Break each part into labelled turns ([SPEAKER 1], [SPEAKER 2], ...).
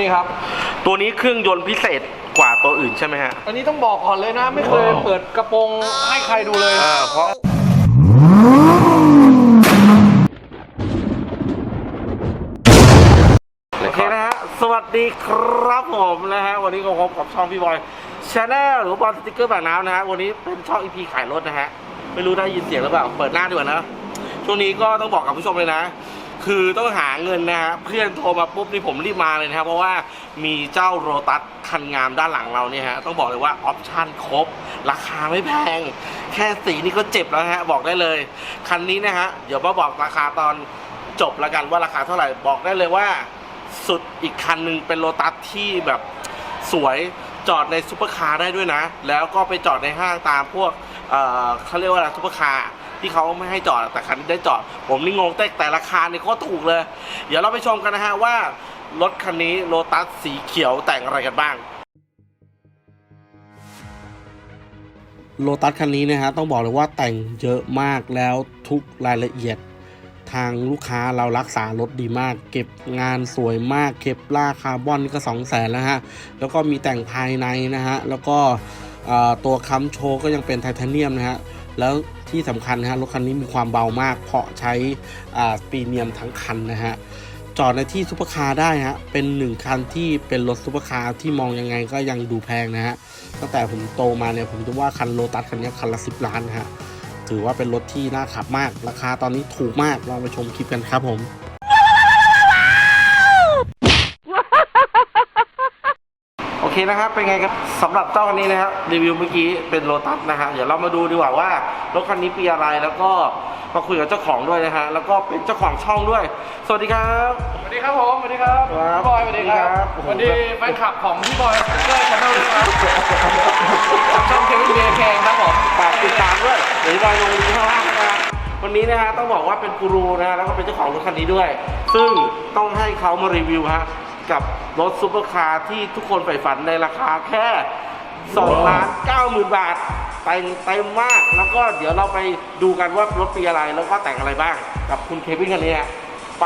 [SPEAKER 1] นี่ครับ
[SPEAKER 2] ตัวนี้เครื่องยนต์พิเศษกว่าตัวอื่นใช่ไหมฮะ
[SPEAKER 1] อันนี้ต้องบอกก่อนเลยนะไม่เคยเปิดกระโปรงให้ใครดูเลย
[SPEAKER 2] เพราะโอเคนะฮะสวัสดีครับผมนะฮะวันนี้ก็พบกับช่องพี่บอยชาแนลหรือบอลสติ๊กเกอร์แบบน้ำนะฮะวันนี้เป็นช่อง EP ขายรถนะฮะไม่รู้ได้ยินเสียงหรือเปล่าเปิดหน้าดีกว่านะช่วงนี้ก็ต้องบอกกับผู้ชมเลยนะคือต้องหาเงินนะฮะเพื่อนโทรมาปุ๊บนี่ผมรีบมาเลยนะครับเพราะว่ามีเจ้าโรตัสคันงามด้านหลังเราเนี่ยฮะต้องบอกเลยว่าออปชั่นครบราคาไม่แพงแค่สีนี่ก็เจ็บแล้วฮะบอกได้เลยคันนี้นะฮะเดี๋ยวมาบอกราคาตอนจบแล้วกันว่าราคาเท่าไหร่บอกได้เลยว่าสุดอีกคันหนึ่งเป็นโรตัสที่แบบสวยจอดในซุปเปอร์คาร์ได้ด้วยนะแล้วก็ไปจอดในห้างตามพวกเขาเรียกว่าอะไรซุปเปอร์คาร์ที่เขาไม่ให้จอดแต่คันนี้ได้จอดผมนี่งงแต่ราคาเนี่ยก็ถูกเลยเดี๋ยวเราไปชมกันนะฮะว่ารถคันนี้โลตัสสีเขียวแต่งอะไรกันบ้างโลตัสคันนี้นะฮะต้องบอกเลยว่าแต่งเยอะมากแล้วทุกรายละเอียดทางลูกค้าเรารักษารถดีมากเก็บงานสวยมากเก็บล่าคาร์บอนก็200,000แล้วฮะแล้วก็มีแต่งภายในนะฮะแล้วก็ตัวค้ำโชว์ก็ยังเป็นไทเทเนียมนะฮะแล้วที่สำคัญนะฮะรถคันนี้มีความเบามากเพราะใช้พรีเมียมทั้งคันนะฮะจอดในที่ซุปเปอร์คาร์ได้ฮะเป็น1คันที่เป็นรถซุปเปอร์คาร์ที่มองยังไงก็ยังดูแพงนะฮะตั้งแต่ผมโตมาเนี่ยผมคิดว่าคันโลตัสคันนี้คันละ10 ล้านนะฮะถือว่าเป็นรถที่น่าขับมากราคาตอนนี้ถูกมากลองไปชมคลิปกันครับผมโอเคนะครับเป็นไงครับสำหรับเจ้าคันนี้นะครับรีวิวเมื่อกี้เป็นโลตัสนะฮะเดี๋ยวเรามาดูดีกว่าว่ารถคันนี้ปีอะไรแล้วก็มาคุยกับเจ้าของด้วยนะฮะแล้วก็เป็นเจ้าของช่องด้วยสวัสดีครับ
[SPEAKER 1] สวัสดีครับผมสวัสดีครับพี่บอยสวัสดีครับสวัสดีแฟนคลับของพี่บอยสติ๊กเกอร์ชาแนลด้วยครับช่องเควินเบียร์แคงครับผม
[SPEAKER 2] ฝากติดตามด้วยเดี๋ยวพี่บอยลงลิงก์ข้างล่างนะครับวันนี้นะฮะต้องบอกว่าเป็นกูรูนะฮะแล้วก็เป็นเจ้าของรถคันนี้ด้วยซึ่งต้องให้เขามารีวิวฮะกับรถซุปเปอร์คาร์ที่ทุกคนใฝ่ฝันในราคาแค่2,90,000 บาทแต่งเต็มมากแล้วก็เดี๋ยวเราไปดูกันว่ารถปีอะไรแล้วก็แต่งอะไรบ้างกับคุณเควินคันนี้ไป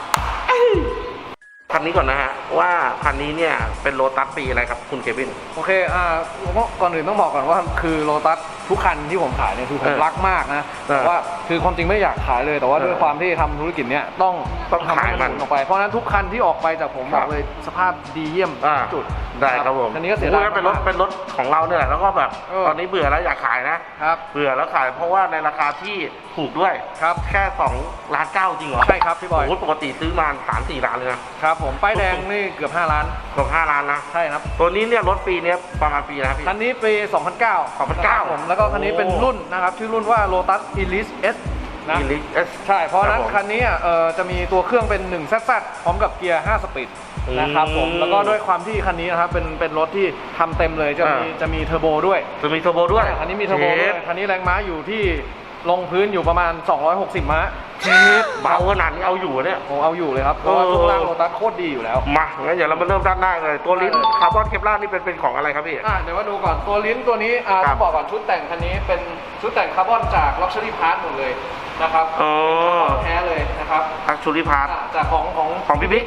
[SPEAKER 2] คันนี้ก่อนนะฮะว่าคันนี้เนี่ยเป็นโลตัสปีอะไรครับคุณเควิน
[SPEAKER 1] โอเคก่อนอื่นต้องบอกก่อนว่าคือโลตัสทุกคันที่ผมขายเนี่ยคือผมรักมากนะแต่ว่าคือความจริงไม่อยากขายเลยแต่ว่าด้วยความที่ทำธุรกิจเนี้ยต้อง
[SPEAKER 2] ขายมัน
[SPEAKER 1] ออกไปเพราะนั้นทุกคันที่ออกไปจากผมบอกเลยสภาพดีเยี่ยมจุด
[SPEAKER 2] ได้ครับผม
[SPEAKER 1] คันนี้ก็เสียดาย
[SPEAKER 2] เป็นรถของเราเนี่ยแหละแล้วก็แบบตอนนี้เบื่อแล้วอยากขายนะครับเบื่อแล้วขายเพราะว่าในราคาที่ถูกด้วย
[SPEAKER 1] ครับ
[SPEAKER 2] แค่2.9 ล้านจริงเหรอ
[SPEAKER 1] ใช่ครับพี่บอย
[SPEAKER 2] ปกติซื้อมา 3-4 ล้านเลย
[SPEAKER 1] นะครับผมป้ายแดงนี่เกือบ5 ล้าน
[SPEAKER 2] เกือบ5 ล้านนะ
[SPEAKER 1] ใช่ครับ
[SPEAKER 2] ตัวนี้เนี่ยรถปีนี้ประมาณปีนะครับพี่
[SPEAKER 1] คันนี้ปี2009ผมแล้วก็คันนี้เป็นรุ่นนะครับชื่อรุ่นว่า Lotus Elise S นะ
[SPEAKER 2] Elise S
[SPEAKER 1] ใช่เพราะนั้นคันนี้จะมีตัวเครื่องเป็น1 ZZ พร้อมกับเกียร์5 สปีดนะครับผมแล้วก็ด้วยความที่คันนี้นะครับเป็นรถที่ทำเต็มเลยจะมีเทอร์โบด้วยคันนี้มีเทอร์โบด้วยคันนี้แรงม้าอยู่ที่ลงพื้นอยู่ประมาณ260 ม้า
[SPEAKER 2] เบาขนาดนี้เอาอยู่เนี่ย
[SPEAKER 1] ผมเอาอยู่เลยครับเพราะว่าช่วงล่างโลตัสโคตรดีอยู่แล้ว
[SPEAKER 2] มางั้นเดี๋ยวเรามาเริ่มด้านหน้าเลยตัวลิ้นคาร์บอนเคปลาร์นี่เป็นของอะไรครับพี่
[SPEAKER 1] เดี๋ยวมาดูก่อนตัวลิ้นตัวนี้ต้องบอกก่อนชุดแต่งคันนี้เป็นชุดแต่งคาร์บอนจาก Luxury Part หมดเลยนะครับแท้เลยนะครับ
[SPEAKER 2] Luxury Part
[SPEAKER 1] จากของ
[SPEAKER 2] พี่บิ๊ก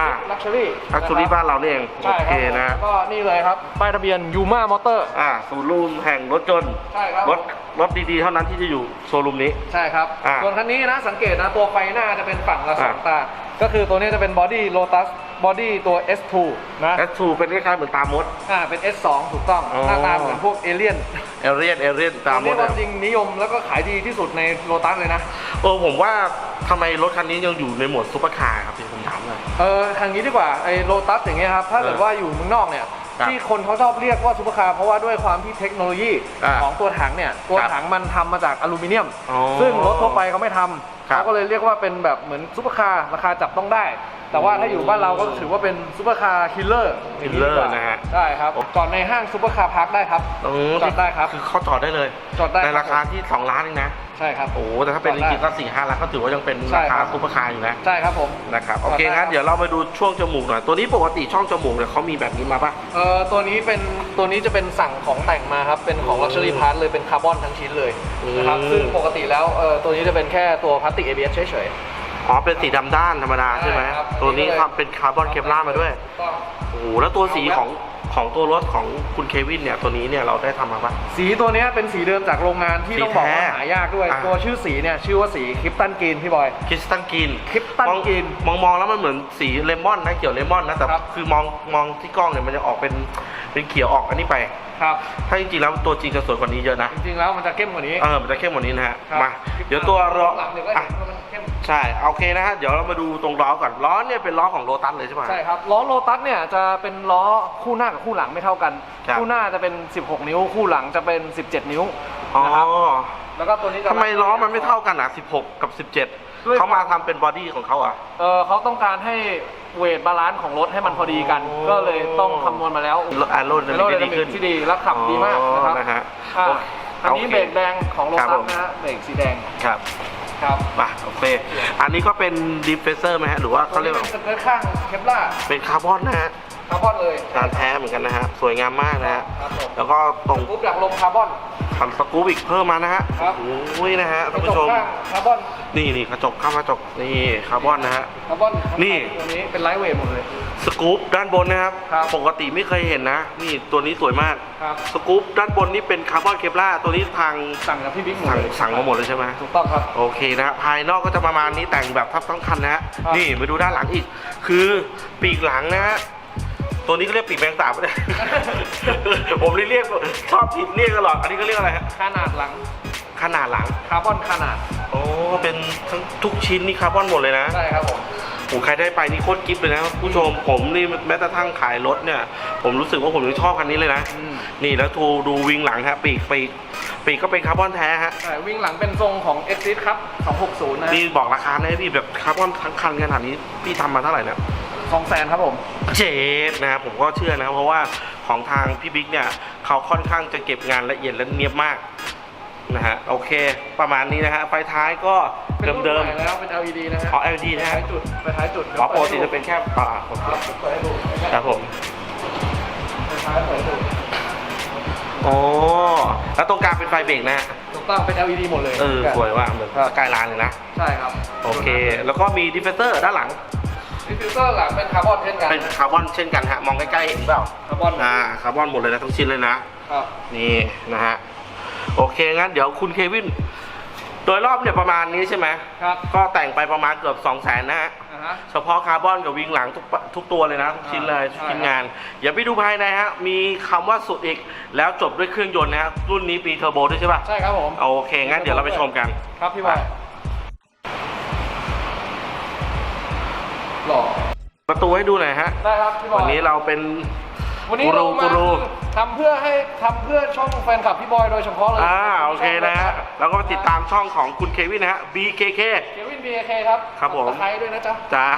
[SPEAKER 2] Luxury บ้านเราเอง
[SPEAKER 1] โอเคนะก็นี่เลยครับป้ายทะเบียน Yuma Motor
[SPEAKER 2] ศูนย์รวมแห่งรถยนต์
[SPEAKER 1] ใช่ครับ
[SPEAKER 2] รถดีๆเท่านั้นที่จะอยู่โชว์รูมนี้
[SPEAKER 1] ใช่ครับส่วนคันนี้นะสังเกตนะตัวไฟหน้าจะเป็นฝั่งละ2 ตาก็คือตัวนี้จะเป็นบอดี้ Lotus บอดี้ตัว S2 นะ
[SPEAKER 2] S2 เป็นคล้ายๆเหมือนตามมด
[SPEAKER 1] เป็น S2 ถูกต้องหน้าตาเหมือนพวกเอเลี่ยน
[SPEAKER 2] ตามมด
[SPEAKER 1] จริงนิยมแล้วก็ขายดีที่สุดในโลตัสเลยนะ
[SPEAKER 2] ผมว่าทำไมรถคันนี้ยังอยู่ในโหมดซุปเปอร์คาร์ครับพี่ผมถามเลย
[SPEAKER 1] ทางนี้ดีกว่าไอ้โลตัสอย่างเงี้ยครับถ้าเกิดว่าอยู่เมืองนอกเนี่ยที่คนเขาชอบเรียกว่าซุปเปอร์คาร์เพราะว่าด้วยความที่เทคโนโลยีของตัวถังเนี่ยตัวถังมันทำมาจากอลูมิเนียมซึ่งรถทั่วไปเขาไม่ทำเขาก็เลยเรียกว่าเป็นแบบเหมือนซุปเปอร์คาร์ราคาจับต้องได้แต่ว่าถ้าอยู่บ้านเราก็ถือว่าเป็นซุปเปอร์คาร์คิลเลอร์
[SPEAKER 2] นะฮะ
[SPEAKER 1] ใช่ครับจอดในห้างซุปเปอร์คาร์พาร์คได้ครับจอดได้ครับ
[SPEAKER 2] คือเขาจอดได้เลยในราคาที่2 ล้านเองนะ
[SPEAKER 1] ใช่ครับ
[SPEAKER 2] แต่ถ้าเป็นจริงๆก็4-5 ล้านก็ถือว่ายังเป็นราคาซุปเปอร์คาร์อยู่นะ
[SPEAKER 1] ใช่ครับผม
[SPEAKER 2] นะครับโอเคงั้นเดี๋ยวเราไปดูช่วงจมูกหน่อยตัวนี้ปกติช่องจมูกเนี่ยเขามีแบบนี้มาปะ
[SPEAKER 1] ตัวนี้จะเป็นสั่งของแต่งมาครับเป็นของ Luxury Part เลยเป็นคาร์บอนทั้งชิ้นเลยนะครับซึ่งปกติแล้วตัวนี้จะเป็นแค่ตัวพลาสติก ABS เฉยๆ
[SPEAKER 2] อ๋อเป็นสีดำด้านธรรมดาใช่ไหม
[SPEAKER 1] ใช่ครับ
[SPEAKER 2] ตัวนี้ทำเป็นคาร์บอนเคปลาร์มาด้วย
[SPEAKER 1] ถูกต้อง
[SPEAKER 2] โอ้โหแล้วตัวสีของตัวรถของคุณเควินเนี่ยตัวนี้เนี่ยเราได้ทำมาปะ
[SPEAKER 1] สีตัวเนี้ยเป็นสีเดิมจากโรงงานที่
[SPEAKER 2] สี
[SPEAKER 1] ต้องบอกว่า
[SPEAKER 2] แท้
[SPEAKER 1] หายากด้วย
[SPEAKER 2] อ่า
[SPEAKER 1] ตัวชื่อสีเนี่ยชื่อว่าสีคริปตันกรีนพี่บอย
[SPEAKER 2] คริสตัลกรีน
[SPEAKER 1] คริปตันกรีน
[SPEAKER 2] มองแล้วมันเหมือนสีเลมอนนะเขียวเลมอนนะแต่
[SPEAKER 1] ครับ
[SPEAKER 2] คือมองที่กล้องเนี่ยมันจะออกเป็นเขียวออกอันนี้ไป
[SPEAKER 1] ครับ
[SPEAKER 2] ถ้าจริงๆแล้วตัวจริงจะสวยกว่านี้เยอะนะ
[SPEAKER 1] จริงๆแล้วมันจะเข้มกว่านี้
[SPEAKER 2] มันจะเข้มกว่านี้นะฮะ
[SPEAKER 1] ครับ
[SPEAKER 2] มาเดี๋ยวตัวล้อ
[SPEAKER 1] หลังเดี๋ยวก็
[SPEAKER 2] อ่ะ
[SPEAKER 1] เห็นว่ามันเข้ม
[SPEAKER 2] ใช่โอเคนะฮะเดี๋ยวเรามาดูตรงล้อก่อนล้อเนี่ยเป็นล้อของโลตัสเลยใช่ไหม
[SPEAKER 1] ใช่ครับล้อโลตัสเนี่ยจะเป็นล้อคู่หน้ากับคู่หลังไม่เท่ากัน
[SPEAKER 2] ครับ
[SPEAKER 1] คู่หน้าจะเป็น 16 นิ้ว คู่หลังจะเป็น 17 นิ้ว
[SPEAKER 2] อ๋อ
[SPEAKER 1] นะครับแล้วก็ตัวนี้จะ
[SPEAKER 2] ทำไมล้อมันไม่เท่ากันอ่ะ16 กับ
[SPEAKER 1] ด้วย
[SPEAKER 2] 17เขามาทำเป็นบอดี้ของเขาอ่ะ
[SPEAKER 1] เขาต้องการให้เวทบาลานซ์ของรถให้มันพอดีกัน
[SPEAKER 2] อ๋อ
[SPEAKER 1] ก็เลยต้องคำนวณมาแล้ว
[SPEAKER 2] แอโรไดนามิกได้ดีขึ้น
[SPEAKER 1] ที่ดีและขับดีมากนะครับ
[SPEAKER 2] นะฮะ
[SPEAKER 1] อ่า
[SPEAKER 2] โอเค
[SPEAKER 1] อันนี้
[SPEAKER 2] โอเค
[SPEAKER 1] เบรกแดงของโล
[SPEAKER 2] ครับ
[SPEAKER 1] ตั
[SPEAKER 2] ผ
[SPEAKER 1] ส
[SPEAKER 2] ม
[SPEAKER 1] นะฮะเบรกสีแดง
[SPEAKER 2] ครับ
[SPEAKER 1] ครับ
[SPEAKER 2] มาโอเค อันนี้ก็เป็นดิฟเฟเซอร์ไหมฮะหรือว่าเขาเรียกว่า
[SPEAKER 1] เป็นสเกิร์ตข้างเคปล่า
[SPEAKER 2] เป็นคาร์บอนนะฮะ
[SPEAKER 1] คาร์บอนเลย
[SPEAKER 2] งานแท้เหมือนกันนะฮะสวยงามมากนะฮะ
[SPEAKER 1] ครับผม
[SPEAKER 2] แล้วก็ตรง
[SPEAKER 1] ปุ๊บจากลมคาร์บอน
[SPEAKER 2] ขันสกู๊ปอีกเพิ่มมานะฮะ
[SPEAKER 1] ครับ
[SPEAKER 2] โอ้ยนะฮะท่านผู้ชม
[SPEAKER 1] กระจกข้างคาร์บอน
[SPEAKER 2] นี่กระจกข้างกระจกนี่คาร์บอนนะฮะ
[SPEAKER 1] คาร์บอน
[SPEAKER 2] นี่
[SPEAKER 1] ตัวนี้เป็นไลท์เวทหมดเลย
[SPEAKER 2] สกู๊ปด้านบนนะครับ
[SPEAKER 1] ครับ
[SPEAKER 2] ปกติไม่เคยเห็นนะ นี่ตัวนี้สวยมาก
[SPEAKER 1] ครับ
[SPEAKER 2] สกู๊ปด้านบนนี่เป็นคาร์บอนเคปลาร์ตัวนี้ทาง
[SPEAKER 1] สั่งจากพี่บิ๊กหมด
[SPEAKER 2] สั่ง
[SPEAKER 1] เลย
[SPEAKER 2] สั่งมาหมดเลยใช่ไหม
[SPEAKER 1] ถูกต้องครับ
[SPEAKER 2] โอเคนะฮะภายนอกก็จะประมาณนี้แต่งแบบทับทั้งคันนะฮะ
[SPEAKER 1] ครับ
[SPEAKER 2] นี่มาดูด้านหลังอีก คือปีกหลังนะฮะตัวนี้ก็เรียกปีกแมงสาบเลย ผมเรียกชอบผิดเรียกตลอดอันนี้ก็เรียกอะไรฮะ
[SPEAKER 1] ขนาดหลัง
[SPEAKER 2] ขนาดหลัง
[SPEAKER 1] คาร์บอนขนาด
[SPEAKER 2] โอ้เป็นทั้งทุกชิ้นนี่คาร์บอนหมดเลยนะ
[SPEAKER 1] ใช่ครับผม
[SPEAKER 2] ผมใครได้ไปนี่โคตรกิ๊บเลยนะผู้ชมผมนี่แม้กระทั่งขายรถเนี่ย ผมรู้สึกว่าผมยังชอบคันนี้เลยนะ
[SPEAKER 1] อืม
[SPEAKER 2] นี่แล้วดูวิงหลังฮะปีกก็เป็นคาร์บอนแท้ฮะ
[SPEAKER 1] ใช่วิ่งหลังเป็นทรงของ Exit ครับ 260 นะ
[SPEAKER 2] นี่บอกราคาได้พี่แบบคาร์บอนทั้งคันขนาดนี้พี่ทำมาเท่าไหร่เนี่ย
[SPEAKER 1] 200,000ครับผม
[SPEAKER 2] เจ็ดนะครับผมก็เชื่อนะครับเพราะว่าของทางพี่บิ๊กเนี่ยเขาค่อนข้างจะเก็บงานละเอียดและเนียบมากนะฮะโอเค ประมาณนี้นะฮะไฟท้ายก็
[SPEAKER 1] เป็นรุ่น
[SPEAKER 2] เดิม
[SPEAKER 1] ใหม่แล้วเป็น LED นะฮะ
[SPEAKER 2] ๆอ๋อ LED นะ
[SPEAKER 1] ท้า
[SPEAKER 2] ฮะ
[SPEAKER 1] ยจุดไปท้ายจุด
[SPEAKER 2] อ๋อปกติจะเป็นแค่โอเค
[SPEAKER 1] ครับเปิดให้ดู
[SPEAKER 2] ครับผม
[SPEAKER 1] ไปท้ายเปิดให้ดู
[SPEAKER 2] อ๋อแล้วตรงกลางเป็นไฟเบรกนะฮะ
[SPEAKER 1] ถูกต้องเป็น LED หมดเลย
[SPEAKER 2] สวยว่ะเหมือนสกายไลน์เลยนะ
[SPEAKER 1] ใช่ครับ
[SPEAKER 2] โอเค แล้วก็มีดิฟเฟเซอร์ด้านหลัง
[SPEAKER 1] ดิฟฟิวเซอร์หลังเป็นคาร์บอนเช่นกัน
[SPEAKER 2] เป็นคาร์บอนเช่นกันฮะมองใกล้ๆเห็นเปล่า
[SPEAKER 1] คาร์บอน
[SPEAKER 2] คาร์บอนหมดเลยนะทั้งชิ้นเลยนะ
[SPEAKER 1] ครับ
[SPEAKER 2] นี่นะฮะโอเคงั้นเดี๋ยวคุณเควินโดยรอบเนี่ยประมาณนี้ใช่ไหม
[SPEAKER 1] ครับ
[SPEAKER 2] ก็แต่งไปประมาณเกือบ200,000นะฮะ
[SPEAKER 1] อ่าฮะ
[SPEAKER 2] เฉพาะคาร์บอนกับวิงหลังทุกตัวเลยนะทุกชิ้นเลยทุกชิ้นงานอย่าไปดูภายในฮะมีคำว่าสุดอีกแล้วจบด้วยเครื่องยนต์นะฮะรุ่นนี้ปีเทอร์โบด้วยใช่ป่ะ
[SPEAKER 1] ใช่ครับผม
[SPEAKER 2] โอเคงั้นเดี๋ยวเราไปชมกัน
[SPEAKER 1] ครับพี่บอยหล่อ
[SPEAKER 2] ประตูให้ดูหน่อยฮะ
[SPEAKER 1] ได้ครับพี่บอย
[SPEAKER 2] วันนี้เราเป็น
[SPEAKER 1] วันนี้เรามา
[SPEAKER 2] กูรู
[SPEAKER 1] ทำเพื่อช่องแฟนคลับพี่บอยโดยเฉพาะเลย
[SPEAKER 2] โอเคนะฮะแล้วก็ติดตามช่องของคุณเควินนะฮะ BKK
[SPEAKER 1] เควิน BK ครับ
[SPEAKER 2] ครับผม
[SPEAKER 1] ตะไคร้ด้วยนะจ๊ะ
[SPEAKER 2] จ้า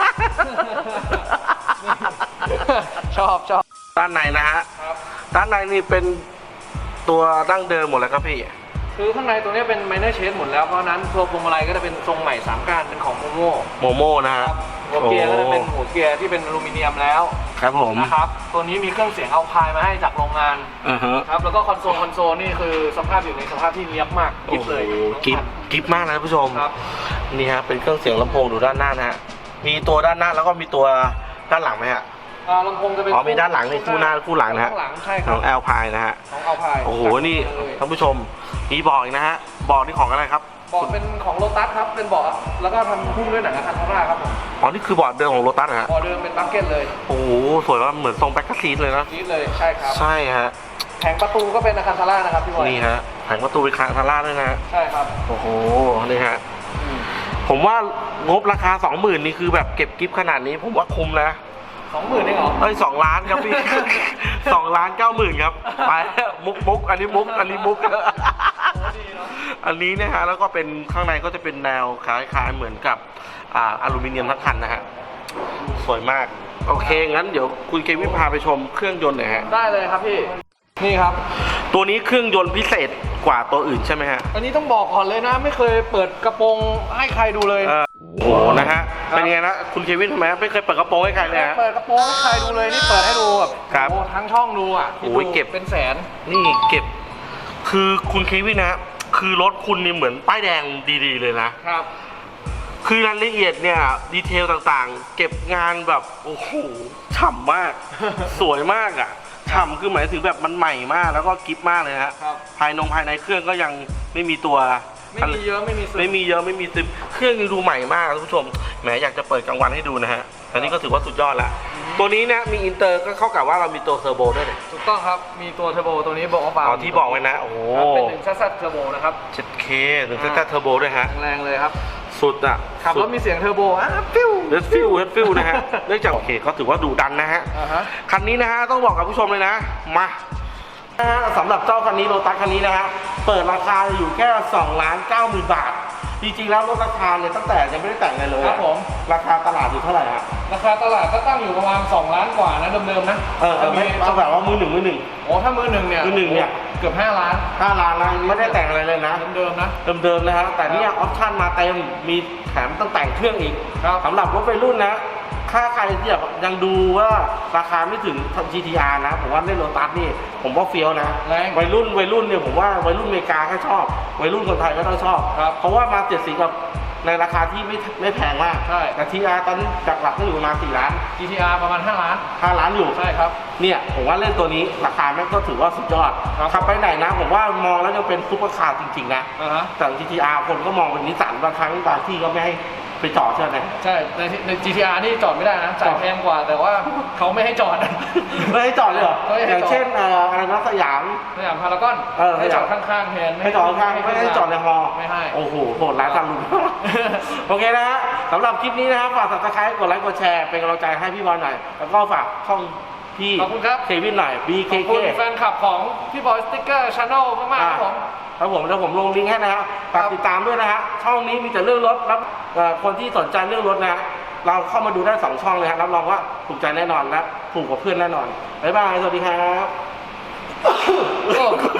[SPEAKER 1] ชอบ
[SPEAKER 2] ด้านในนะฮะ
[SPEAKER 1] ครับ
[SPEAKER 2] ด้านในนี่เป็นตัวดั้งเดิมหมดแล้วครับพี่
[SPEAKER 1] คือข้างในตัวนี้เป็นไมเนอร์เชนหมดแล้วเพราะฉะนั้นตัวพวงมาลัยก็จะเป็นทรงใหม่3ก้านเป็นของโมโม่
[SPEAKER 2] โมโม่นะฮะ
[SPEAKER 1] ครับหัวเกียร์ก็จะเป็นหัวเกียร์ที่เป็นอลูมิเนียมแล้ว
[SPEAKER 2] ครับผม
[SPEAKER 1] นะครับตัวนี้มีเครื่องเสียงเอาพายมาให้จากโรงงาน
[SPEAKER 2] ฮะ
[SPEAKER 1] ครับแล้วก็คอนโซลนี่คือสภาพอยู่ในสภาพที่เนียบมากกิฟเลย
[SPEAKER 2] โอ้โหกิฟมากนะท่านผู้ชม
[SPEAKER 1] ครับ
[SPEAKER 2] นี่ฮะเป็นเครื่องเสียงลำโพงดูด้านหน้านะฮะมีตัวด้านหน้าแล้วก็มีตัวด้านหลังไหมฮะ
[SPEAKER 1] ลำโพงจะเป็น
[SPEAKER 2] มีด้านหลังนี่คู่หน้าคู่หลังนะฮะ
[SPEAKER 1] ข้างหลังใช่ค
[SPEAKER 2] ข
[SPEAKER 1] รั
[SPEAKER 2] อบ งแอลพายนะฮะ
[SPEAKER 1] ของเอาพาย
[SPEAKER 2] โอ้โหนี่ท่านผู้ชมมีบอกอีกนะฮะบอกนี่ของอะไรครับ
[SPEAKER 1] เบาะเป็นของโลตัสครับเป็นเบาะแล้วก็ทำหุ้มด้วยหนังอะคันธาร่าครับผม
[SPEAKER 2] อ๋อนี่คือบอร์ดเดิมของโลตัสนะฮะ
[SPEAKER 1] เบาะเดิมเป็นบัคเก็ตเลย
[SPEAKER 2] โอ้โหสวยว่าเหมือนทรงแบ็คกาซีนเลยนะ
[SPEAKER 1] นี่เลยใช่ครับ
[SPEAKER 2] ใช่ฮะ
[SPEAKER 1] แผงประตูก็เป็นอะคันธาร่านะครับพี่บอย
[SPEAKER 2] นี่ฮะแผงประตูเป็นคาทาร่าด้วยนะฮะ
[SPEAKER 1] ใช่ครับ
[SPEAKER 2] โอ้โหนี่ฮะผมว่างบราคา 20,000นี่คือแบบเก็บกิฟต์ขนาดนี้ผมว่าคุ้มนะ
[SPEAKER 1] 20,000เองเหรอ
[SPEAKER 2] เอ้ย2 ล้านครับพี่ 2,990,000ครับไปมุกอันนี้มุกอันนี้มุก อันนี้นะฮะแล้วก็เป็นข้างในก็จะเป็นแนวคล้ายๆเหมือนกับอลูมิเนียมทั้งคันนะฮะสวยมากโอเคงั้นเดี๋ยวคุณเควินพาไปชมเครื่องยนต์หน่อยฮะ
[SPEAKER 1] ได้เลยครับพี่นี่ครับ
[SPEAKER 2] ตัวนี้เครื่องยนต์พิเศษกว่าตัวอื่นใช่ไหมฮะ
[SPEAKER 1] อันนี้ต้องบอกก่อนเลยนะไม่เคยเปิดกระโปรงให้ใครดูเลย
[SPEAKER 2] โอ้โหนะฮะเป็นไงนะคุณเควินทำไมไม่เคยเปิดกระโปรงให้ใครเลยฮะ
[SPEAKER 1] เปิดกระโปรงให้ใครดูเลยนี่เปิดให้ดูแบบ
[SPEAKER 2] ครับ
[SPEAKER 1] โอ้ทั้งช่องดูอ่ะ
[SPEAKER 2] โอ้ยเก็บ
[SPEAKER 1] เป็นแสน
[SPEAKER 2] นี่เก็บคือคุณเควินนะคือรถคุณนี่เหมือนป้ายแดงดีๆเลยนะครับคือรายละเอียดเนี่ยดีเทลต่างๆ เก็บงานแบบโอ้โหฉ่ำมาก สวยมากอ่ะฉ่ำคือหมายถึงแบบมันใหม่มากแล้วก็กิฟมากเลยฮะ
[SPEAKER 1] ครับ
[SPEAKER 2] ภายในเครื่องก็ยังไม่มีตัว
[SPEAKER 1] ไม่มีเยอะไม่มีซึม
[SPEAKER 2] ไม่มีเยอะไม่มีซึมเครื่องยังดูใหม่มากท่านผู้ชมแหมอยากจะเปิดกลางวันให้ดูนะฮะอันนี้ก็ถือว่าสุดยอดละตัวนี้นะมีอินเตอร์ก็เข้ากับว่าเรามีตัวเทอร์โบด้วยเนี่ย
[SPEAKER 1] ถูกต้องครับมีตัวเทอร์โบตัวนี้บอกว่า
[SPEAKER 2] อ๋อที่บอกไว้นะโอ้โห
[SPEAKER 1] เป็น1ซัสเทอร์โบนะครับ
[SPEAKER 2] 7K หรือแค่เทอร์โบด้วยฮะ
[SPEAKER 1] แรงเลยครับ
[SPEAKER 2] สุดอ่ะ
[SPEAKER 1] ขับรถมีเสียงเทอร์โบฟิว
[SPEAKER 2] เฮดฟิลนะฮะเนื่องจากโอเคก็ถือว่าดุดันนะฮะ
[SPEAKER 1] อ่าฮะ
[SPEAKER 2] คันนี้นะฮะต้องบอกกับผู้ชมเลยนะมาสำหรับเจ้าคันนี้โลตัสคันนี้นะฮะเปิดราคาอยู่แค่2,90,000 บาทจริงๆแล้วลดราคาเนี่ยตั้งแต่ยังไม่ได้แต่งอะไรเลย
[SPEAKER 1] ครับผม
[SPEAKER 2] ราคาตลาดอยู่เท่าไหร่ฮะ
[SPEAKER 1] ราคาตลาดก็ตั้งอยู่ประมาณ2 ล้านกว่านะเดิมๆนะ
[SPEAKER 2] ไม่เอาแบบว่ามือหนึ่ง
[SPEAKER 1] โอ้ถ้ามือหนึ่งเนี่ย
[SPEAKER 2] มือหนึ่งเนี่ย
[SPEAKER 1] เกือบ5 ล้าน
[SPEAKER 2] 5 ล้านนะไม่ได้แต่งอะไรเลยนะ
[SPEAKER 1] เดิมๆนะ
[SPEAKER 2] เดิมๆนะฮะแต่เนี่ยออปชั่นมาเต็มมีแถมต้องแต่งเครื่องอีก
[SPEAKER 1] ครับ
[SPEAKER 2] สำหรับรถวัยรุ่นนะถ้าใครที่แบบยังดูว่าราคาไม่ถึง GTR นะผมว่าเล่นโลตัสนี่ผมว่าเฟี้ยวนะ
[SPEAKER 1] แรง
[SPEAKER 2] วัยรุ่นเนี่ยผมว่าวัยรุ่นอเมริกาก็ชอบวัยรุ่นคนไทยก็ต้องชอบ
[SPEAKER 1] ครับ
[SPEAKER 2] เพราะว่ามา70กับในราคาที่ไม่แพงมาก
[SPEAKER 1] ใช่
[SPEAKER 2] แต่ TR ตอนนี้จากหลักก็อยู่ประมาณ4 ล้าน
[SPEAKER 1] GTR ประมาณ5 ล้าน
[SPEAKER 2] 5 ล้านอยู่
[SPEAKER 1] ใช่ครับ
[SPEAKER 2] เนี่ยผมว่าเล่นตัวนี้ราคาแม่งก็ถือว่าสุดยอด
[SPEAKER 1] ครับ
[SPEAKER 2] ขับไปไหนนะผมว่ามองแล้วยังเป็นซุปเปอร์คาร์จริงๆนะ
[SPEAKER 1] อ่าฮะ
[SPEAKER 2] แต่ GTR คนก็มองเป็นนิสสันบางครั้งบางที่ก็ไม่ให้ไปจอดใช่ไหม
[SPEAKER 1] ใช่ใน GTR นี่จอดไม่ได้นะจ่ายแพงกว่าแต่ว่าเขาไม่ให้จอด
[SPEAKER 2] ไม่ให้จอดเลยเหรอ
[SPEAKER 1] ไม่ให้จอด
[SPEAKER 2] อย่างเช่นอะไรนะสยาม
[SPEAKER 1] สยามพารากอน ให้จอดข้างๆแทน
[SPEAKER 2] ให้จอดข้างๆไม่ให้จอดในฮอ
[SPEAKER 1] ไม่ให้
[SPEAKER 2] โอ้โหโหดร้ายทำลุง โอเคนะฮะสำหรับคลิปนี้นะครับฝาก subscribe กดไลค์กดแชร์เป็นกำลังใจให้พี่บอลหน่อยแล้วก็ฝากช่องพี่
[SPEAKER 1] ขอบคุณครับ
[SPEAKER 2] เควินหน่อย
[SPEAKER 1] ขอบ
[SPEAKER 2] BKK
[SPEAKER 1] คุณแฟนคลับของพี่บอยสติ๊กเกอร์ชาแนลมากๆครับผม
[SPEAKER 2] ครับผมแล้วผมลงลิงก์ให้นะฮะฝากติดตามด้วยนะฮะช่องนี้มีแต่เรื่องรถแล้วคนที่สนใจเรื่องรถนะฮะเราเข้ามาดูได้2 ช่องเลยฮะรับรองว่าถูกใจแน่นอนและถูกกว่าเพื่อนแน่นอนบ๊ายบายสวัสดีครับ